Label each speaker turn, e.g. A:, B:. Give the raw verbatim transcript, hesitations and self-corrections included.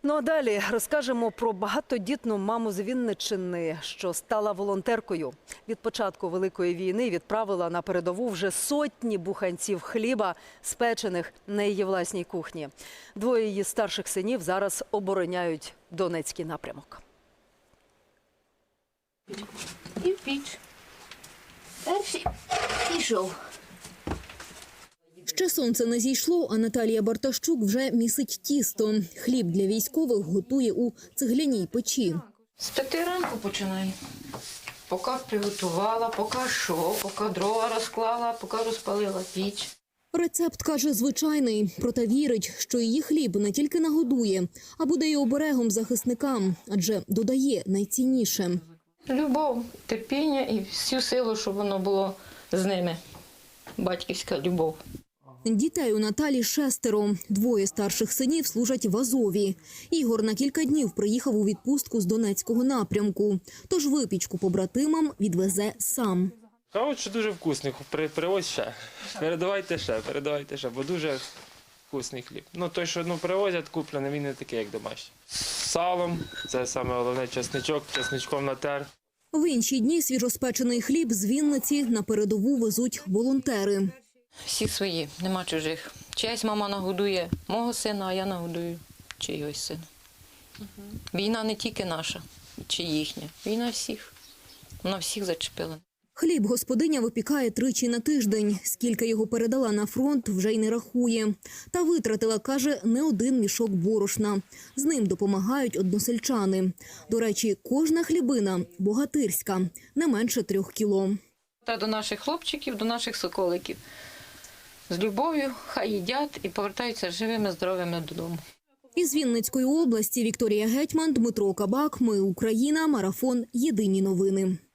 A: Ну а далі розкажемо про багатодітну маму з Вінниччини, що стала волонтеркою. Від початку Великої війни відправила на передову вже сотні буханців хліба, спечених на її власній кухні. Двоє її старших синів зараз обороняють Донецький напрямок.
B: І в піч. Перший пішов.
C: Ще сонце не зійшло, а Наталія Бартащук вже місить тісто. Хліб для військових готує у цегляній печі.
B: З п'яти ранку починаю. Поки приготувала, поки що, поки дрова розклала, поки розпалила піч.
C: Рецепт, каже, звичайний, проте вірить, що її хліб не тільки нагодує, а буде й оберегом захисникам, адже додає найцінніше.
B: Любов, терпіння і всю силу, щоб воно було з ними. Батьківська любов.
C: Дітей у Наталі шестеро. Двоє старших синів служать в Азові. Ігор на кілька днів приїхав у відпустку з Донецького напрямку. Тож випічку побратимам відвезе сам.
D: Кажуть, що дуже вкусний, При- привозь ще. Передавайте ще, передавайте ще, бо дуже вкусний хліб. Ну той, що ну, привозять куплений, він не такий, як домашній. З салом, це саме головне, чесничок, чесничком натер.
C: В інші дні свіжоспечений хліб з Вінниці на передову везуть волонтери.
B: Всі свої, нема чужих. Чиясь мама нагодує мого сина, а я нагодую чийось сина. Війна не тільки наша, чи їхня. Війна всіх. Вона всіх зачепила.
C: Хліб господиня випікає тричі на тиждень. Скільки його передала на фронт, вже й не рахує. Та витратила, каже, не один мішок борошна. З ним допомагають односельчани. До речі, кожна хлібина богатирська, не менше трьох кіло.
B: Та до наших хлопчиків, до наших соколиків. З любов'ю, хай їдять і повертаються живими, здоровими додому.
C: Із Вінницької області Вікторія Гетьман, Дмитро Кабак. Ми Україна. Марафон. Єдині новини.